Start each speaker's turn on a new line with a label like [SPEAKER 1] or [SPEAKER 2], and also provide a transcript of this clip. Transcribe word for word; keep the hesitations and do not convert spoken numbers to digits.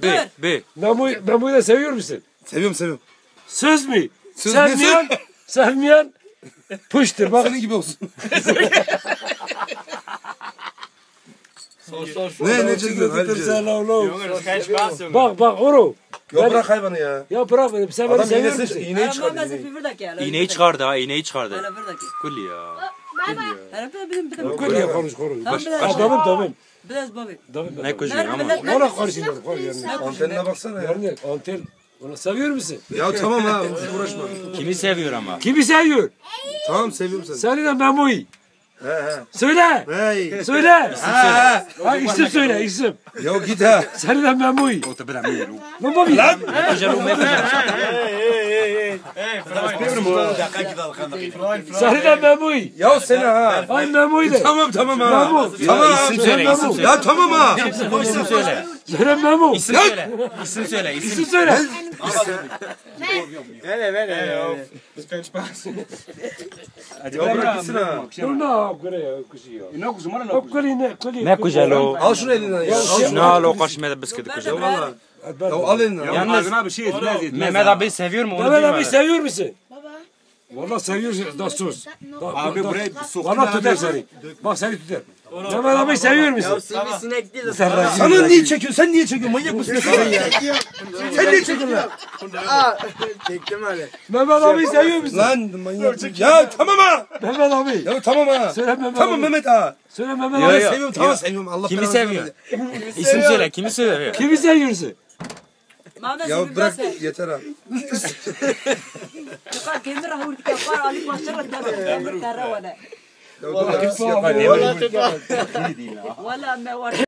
[SPEAKER 1] B. B.
[SPEAKER 2] Memo'yu Memo'yu da seviyor musun?
[SPEAKER 3] Seviyorum seviyorum.
[SPEAKER 2] Söz mü?
[SPEAKER 3] Söz
[SPEAKER 2] Sevmeyen, sevmeyen pıştır bak.
[SPEAKER 3] Senin gibi olsun.
[SPEAKER 4] Sor sor sor.
[SPEAKER 3] Ne ne çekiyorsun Halil'ciğim?
[SPEAKER 4] Jongens, geen spaas jongen.
[SPEAKER 2] Bak bak oğlum.
[SPEAKER 3] Ya bırak hayvanı ya.
[SPEAKER 2] Ya bırak beni. Sen beni
[SPEAKER 3] Adam
[SPEAKER 2] seviyor
[SPEAKER 3] iğnesi,
[SPEAKER 2] musun?
[SPEAKER 3] iğneyi
[SPEAKER 5] انا ما
[SPEAKER 3] çıkardı.
[SPEAKER 5] ماسك في فردك يا
[SPEAKER 1] İğneyi çıkardı ha, iğneyi çıkardı.
[SPEAKER 5] انا فردك
[SPEAKER 1] Kulli ya.
[SPEAKER 5] انا بدي بدي بدي
[SPEAKER 2] Koy ya konuş konuş.
[SPEAKER 5] Tamam,
[SPEAKER 2] Adamım tamam.
[SPEAKER 5] بدي بابي
[SPEAKER 1] Ne kucuğu ama.
[SPEAKER 2] Bana karışın. Koy yani.
[SPEAKER 3] Antenine baksana ya.
[SPEAKER 2] Yani anten. Onu seviyor musun?
[SPEAKER 3] Ya tamam ha uğraşma.
[SPEAKER 1] Kimi seviyor ama?
[SPEAKER 2] Kimi seviyor?
[SPEAKER 3] Tamam seviyorum seni.
[SPEAKER 2] Seni de Memo'yu.
[SPEAKER 3] He he.
[SPEAKER 2] Söyle.
[SPEAKER 3] Hey.
[SPEAKER 2] Söyle.
[SPEAKER 3] Ha,
[SPEAKER 2] Ha isim söyle isim.
[SPEAKER 3] ya git ha.
[SPEAKER 2] Seni de Memo'yu.
[SPEAKER 1] O da bırak mı?
[SPEAKER 2] Memo'yu. Lan.
[SPEAKER 1] Kucağı ne kucağı?
[SPEAKER 2] Seni de Memo'yu.
[SPEAKER 3] Ya seni ha.
[SPEAKER 2] Ay Memo'yu de.
[SPEAKER 3] Tamam tamam ha.
[SPEAKER 2] Memo.
[SPEAKER 3] Tamam.
[SPEAKER 1] İsim söyle,
[SPEAKER 2] Memo.
[SPEAKER 1] isim söyle.
[SPEAKER 3] Ya tamam ha.
[SPEAKER 1] İsim söyle.
[SPEAKER 2] Söyle Memo.
[SPEAKER 1] İsim söyle. İsim söyle,
[SPEAKER 2] İsim
[SPEAKER 1] isim.
[SPEAKER 2] söyle.
[SPEAKER 3] Ya bırak gitsin ha.
[SPEAKER 2] Dur ne yapıyor ya kuşu ya. Ne kuşu bana ne kuşu ne kuşu.
[SPEAKER 1] Ne kucağı o?
[SPEAKER 3] Al şunu elinden ya. Al şunu.
[SPEAKER 1] Ne al o karşımda bisküvi kucağı.
[SPEAKER 3] Ya valla. Ya al elinden.
[SPEAKER 1] Yalnız Mehmet abi seviyor mu onu
[SPEAKER 2] Mehmet abi
[SPEAKER 1] bilmiyorum.
[SPEAKER 2] seviyor musun? Baba. Valla seviyor da sus. Abi burayı sok. Valla tutar seni. Bak seni tutar. Mehmet abi seviyor musun?
[SPEAKER 5] sinek değil de
[SPEAKER 3] Sana niye çekiyorsun? Sen niye çekiyorsun? Manyak mısın sen ya? Sen niye çekiyorsun lan?
[SPEAKER 4] Çektim öyle.
[SPEAKER 2] Mehmet abi seviyor musun?
[SPEAKER 3] Lan manyak. Ya tamam ha.
[SPEAKER 2] Mehmet abi.
[SPEAKER 3] Ya tamam ha.
[SPEAKER 2] Söyle Mehmet
[SPEAKER 3] Tamam
[SPEAKER 2] abi.
[SPEAKER 3] Mehmet ha.
[SPEAKER 2] Söyle Mehmet
[SPEAKER 1] Yo,
[SPEAKER 2] abi.
[SPEAKER 1] yo.
[SPEAKER 3] Seviyorum tamam seviyorum. Allah
[SPEAKER 1] Kimi
[SPEAKER 3] belanı
[SPEAKER 1] seviyor?
[SPEAKER 3] versin.
[SPEAKER 1] İsim söyle, kimi seviyor?
[SPEAKER 2] Kimi seviyorsun?
[SPEAKER 5] ما ماسك
[SPEAKER 3] Ya
[SPEAKER 5] في
[SPEAKER 3] bırak
[SPEAKER 5] فردك
[SPEAKER 3] yeter ha.
[SPEAKER 5] قال كيمر هو الكفار عليك ما شرط ترى ولا
[SPEAKER 3] Ya dur ya.
[SPEAKER 5] ولا ما